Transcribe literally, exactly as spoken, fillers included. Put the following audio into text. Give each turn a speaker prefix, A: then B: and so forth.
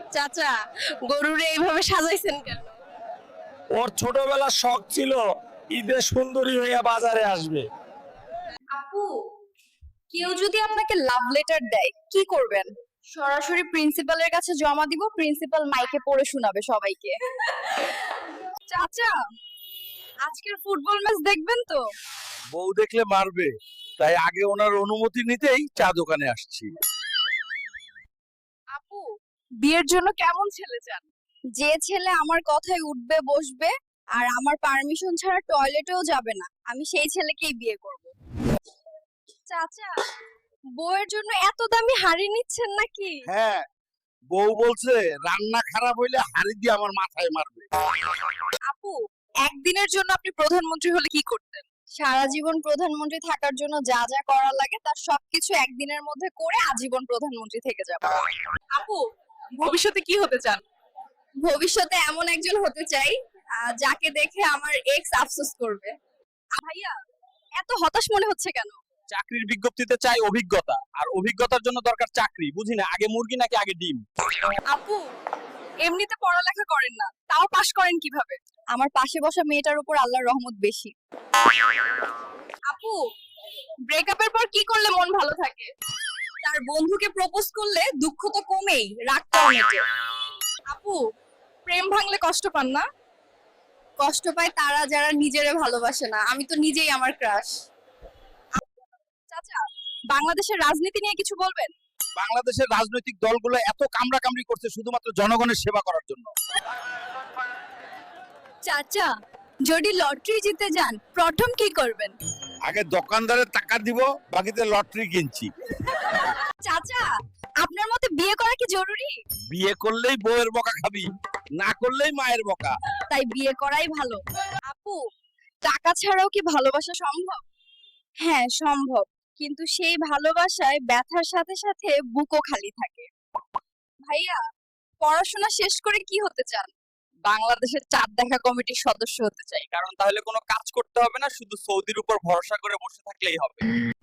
A: চাচা, গরুরে এইভাবে সাজাইছেন কেন?
B: ওর ছোটবেলার শখ ছিল ঈদে সুন্দরী হইয়া বাজারে আসবে।
C: আপু, কেউ যদি আপনাকে লাভ লেটার দেয় কি করবেন? সরাসরি প্রিন্সিপালের কাছে জমা দিব, প্রিন্সিপাল মাইকে পড়ে শোনাবে সবাইকে। চাচা, আজকের ফুটবল ম্যাচ দেখবেন তো?
D: বউ দেখলে মারবে, তাই আগে ওনার অনুমতি নিতেই চা দোকানে আসছি।
C: আপু, বিয়ের জন্য কেমন ছেলে চান? যে ছেলে আমার কথায় উঠবে বসবে আর আমার পারমিশন ছাড়া টয়লেটেও যাবে না, আমি সেই ছেলেকেই বিয়ে করব। চাচা, বউয়ের জন্য এত দামি হাড়ি নিচ্ছেন নাকি?
D: হ্যাঁ, বউ বলছে রান্না খারাপ হইলে হাড়ি দিয়ে আমার মাথায় মারবে।
C: আপু, একদিনের জন্য আপনি প্রধানমন্ত্রী হলে কি করতেন? সারা জীবন প্রধানমন্ত্রী থাকার জন্য যা যা করা লাগে তার সবকিছু একদিনের মধ্যে করে আজীবন প্রধানমন্ত্রী থেকে যাব।
A: আপু, ভবিষ্যতে কি হতে চান?
C: ভবিষ্যতে এমন একজন হতে চাই আহ, যাকে দেখে আমার এক্স আফসোস করবে। আ, ভাইয়া, এত হতাশ মনে হচ্ছে কেন?
D: চাকরির বিজ্ঞপ্তিতে চাই অভিজ্ঞতা, আর অভিজ্ঞতার জন্য দরকার চাকরি। বুঝি না, আগে মুরগি নাকি আগে ডিম?
C: আপু, এমনিতে পড়ালেখা করেন না, তাও পাশ করেন কিভাবে? আমার পাশে বসা মেয়েটার উপর আল্লাহর রহমত বেশি। আপু, ব্রেকআপের পর কি করলে মন ভালো থাকে? তার বন্ধুকে প্রপোজ করলে দুঃখ তো কমেই, রাগটাও মেটে। আপু, প্রেম ভাঙলে কষ্ট পান না? কষ্ট পায় তারা যারা নিজেরে ভালোবাসে না, আমি তো নিজেই আমার ক্রাশ। চাচা, বাংলাদেশের রাজনীতি নিয়ে কিছু বলবেন?
D: বাংলাদেশের রাজনৈতিক দলগুলো এত কামড়া কামড়ি করছে শুধুমাত্র জনগণের সেবা করার জন্য।
C: চাচা, যদি লটারি জিতে যান প্রথম কি করবেন?
D: আগে দোকানদারের টাকা দিব, বাকিতে লটারি কিনছি।
C: চাচা, আপনার মতে বিয়ে করা কি জরুরি?
D: বিয়ে করলেই বউয়ের বকা খাবি, না করলেই মায়ের বকা।
C: তাই বিয়ে করাই ভালো। আপু, টাকা ছাড়াও কি ভালোবাসা সম্ভব? হ্যাঁ, সম্ভব, কিন্তু সেই ভালোবাসায় ব্যথার সাথে সাথে বুকও খালি থাকে। ভাইয়া, পড়াশোনা শেষ করে কি হতে চান? বাংলাদেশের চাঁদ দেখা কমিটির সদস্য হতে চাই।
D: কারণ তাহলে কোনো কাজ করতে হবে না, শুধু সৌদির উপর ভরসা করে বসে থাকলেই হবে।